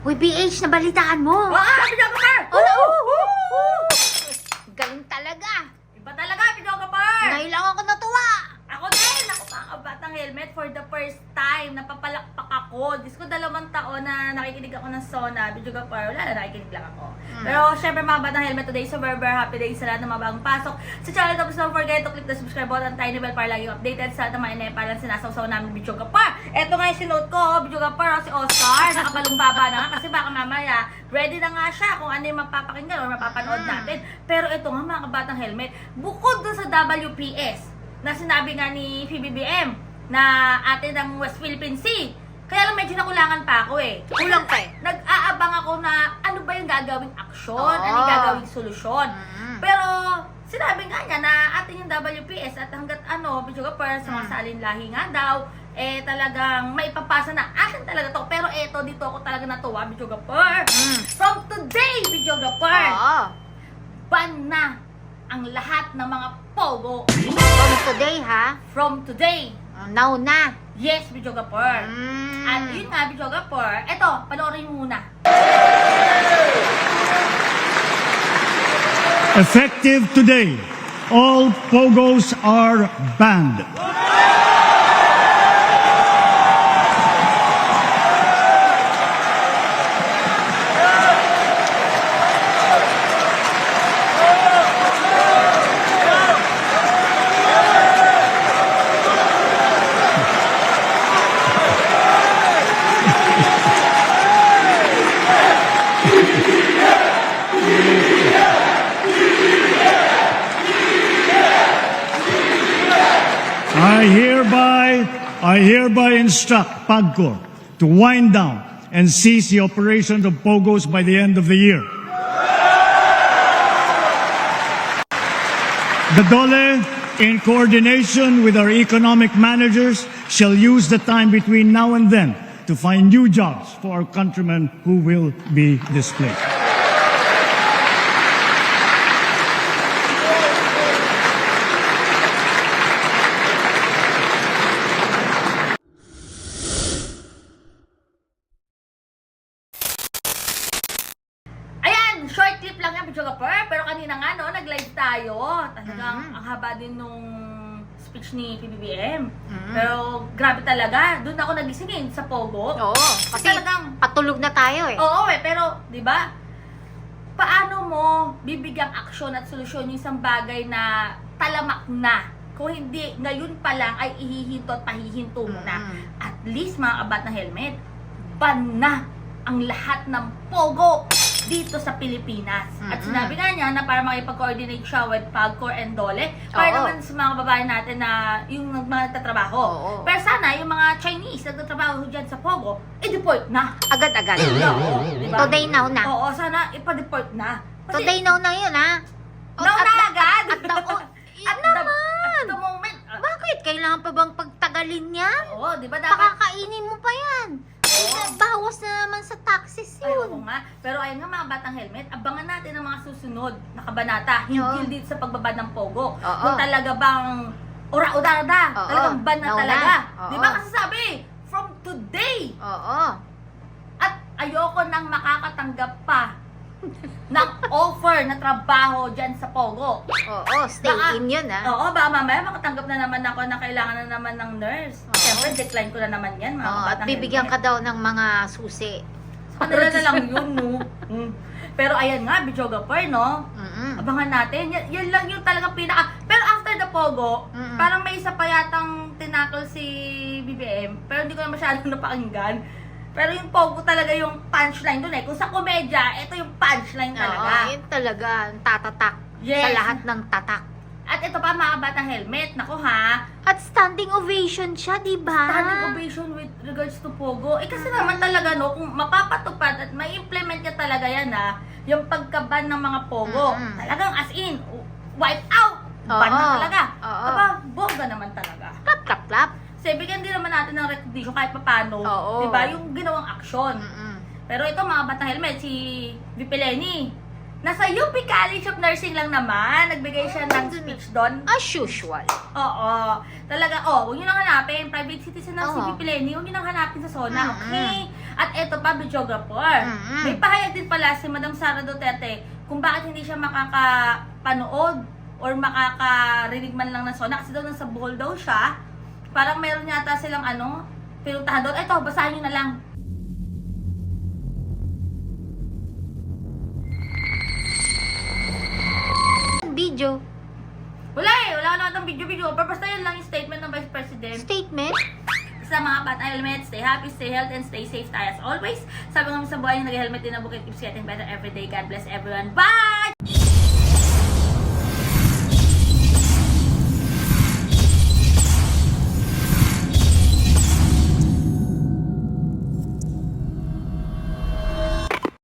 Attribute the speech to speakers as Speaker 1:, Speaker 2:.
Speaker 1: Uy, BH, nabalitaan mo.
Speaker 2: Videographer!
Speaker 1: Galing talaga.
Speaker 2: Iba talaga, videographer!
Speaker 1: Ngayon lang ako natuwa.
Speaker 2: Ako din! Ako pa ang batang helmet for the first time. Napapalakpak ako. Diyos ko, 2 taon na nakikinig ako ng Sona. Videographer, wala na, nakikinig lang ako. Pero syempre mga batang helmet, today is a very happy day sa lahat ng mga bagong pasok sa channel. Tapos don't forget to click the subscribe button, tiny bell para lagi updated sa lahat ng mga inepalan sinasawsaw namin videographer. Eto nga yung sinuot ko, videographer, si Oscar. Nakapalumbaba na nga kasi baka mamaya ready na nga siya kung ano yung mapapakinggan o mapapanood natin. Pero ito nga mga kabatang helmet, bukod dun sa WPS na sinabi nga ni PBBM na atin ng West Philippine Sea, kaya lang medyo nakulangan pa ako eh.
Speaker 1: Kulang pa eh.
Speaker 2: Nag-aabang ako na ano ba yung gagawing aksyon, ano yung gagawing solusyon. Pero sinabi nga niya na atin yung WPS at hanggat videographer sa mga salinlahi nga daw, eh talagang maipapasa na akin talaga to. Pero eto, dito ako talaga natuwa, videographer. From today, videographer, ban na ang lahat ng mga pogo.
Speaker 1: From today, ha?
Speaker 2: From today.
Speaker 1: Now na.
Speaker 2: Yes, videographer. At yun nga, videographer, eto, panoorin mo muna.
Speaker 3: Effective today, all pogos are banned. I hereby instruct PAGCOR to wind down and cease the operations of POGOs by the end of the year. The DOLE, in coordination with our economic managers, shall use the time between now and then to find new jobs for our countrymen who will be displaced.
Speaker 2: Short clip lang yan, videographer. Pero kanina nga, nag-live tayo. Talagang ang haba din nung speech ni PBBM. Pero grabe talaga. Doon ako nagisingin sa Pogo.
Speaker 1: Oo. Kasi
Speaker 2: talagang
Speaker 1: patulog na tayo eh.
Speaker 2: Oo pero, di ba? Paano mo bibigyang aksyon at solusyon yung isang bagay na talamak na? Kung hindi, ngayon pa lang ay ihihinto at pahihinto mo na. At least, mga kabat na helmet, ban na ang lahat ng Pogo dito sa Pilipinas. At sinabi nga niya na para makipag-coordinate siya with PAGCOR and DOLE para naman sa mga babae natin na yung mga nagtatrabaho. Pero sana yung mga Chinese na nagtatrabaho dyan sa Pogo, i-deport na.
Speaker 1: Agad-agad.
Speaker 2: Diba?
Speaker 1: Today now na.
Speaker 2: Oo, sana ipa-deport na. Kasi,
Speaker 1: Today now na yun, ha?
Speaker 2: now na agad!
Speaker 1: At
Speaker 2: the moment.
Speaker 1: Bakit? Kailangan pa bang pagtagalin yan?
Speaker 2: Oo, di ba dapat?
Speaker 1: Pakakainin mo pa yan. Bawas na naman sa taxes
Speaker 2: Ayun
Speaker 1: yun.
Speaker 2: nga. Pero ayun nga mga batang helmet, abangan natin ang mga susunod na kabanata hinggil dito sa pagbabad ng Pogo. Kung talaga bang ura-urada, talagang ban na talaga. Di ba kasi sabi, from today. At ayoko nang makakatanggap pa ng offer na trabaho dyan sa Pogo.
Speaker 1: Stay in yun, ha?
Speaker 2: Oo, baka mamaya makatanggap na naman ako na kailangan na naman ng nurse. Siyempre, decline ko na naman yan, mga
Speaker 1: At bibigyan ka daw ng mga susi.
Speaker 2: Kanila na lang yun, no? Pero ayan nga, videographer, no? Abangan natin. Yan lang yung talagang pinaka... Pero after the Pogo, parang may isa pa yatang tinakol si BBM. Pero hindi ko na masyadong napakinggan. Pero yung Pogo talaga yung punchline dun eh. Kung sa komedya, ito yung punchline talaga.
Speaker 1: Yun talaga. Tatatak.
Speaker 2: Yes.
Speaker 1: Sa lahat ng tatak.
Speaker 2: At ito pa mga batang helmet. Naku ha.
Speaker 1: At standing ovation siya, di ba?
Speaker 2: Standing ovation with regards to Pogo. Eh kasi naman talaga no, kung mapapatupad at ma-implement ka talaga yan ha, yung pagkaban ng mga Pogo. Talagang as in, wipe out. Ban na talaga. Aba, bongga naman talaga.
Speaker 1: Clap, clap, clap.
Speaker 2: Kasi bigyan din naman natin ng recognition kahit papano. Diba? Yung ginawang aksyon. Pero ito mga batang helmet, si VP Lenny, nasa UP College of Nursing lang naman. Nagbigay siya ng speech doon.
Speaker 1: As usual.
Speaker 2: Oo. Talaga, huwag nyo nang hanapin. Private citizen ng si VP Lenny, huwag nyo nang hanapin sa Sona. Okay? At eto pa, videographer.
Speaker 1: Mm-mm.
Speaker 2: May pahayag din pala si Madam Sara Duterte kung bakit hindi siya makakapanood or makakarinig man lang ng SONA kasi daw nasa Bohol daw siya. Parang meron yata silang pinuntahan doon. Eto, basahin nyo na lang.
Speaker 1: Video.
Speaker 2: Wala naman itong video. Pero basta yun lang yung statement ng Vice President.
Speaker 1: Statement?
Speaker 2: Sa mga batang helmet, stay happy, stay healthy, and stay safe tayo as always. Sabi nga sa buhay yung nag-helmet din na bukit keeps getting better every day. God bless everyone. Bye!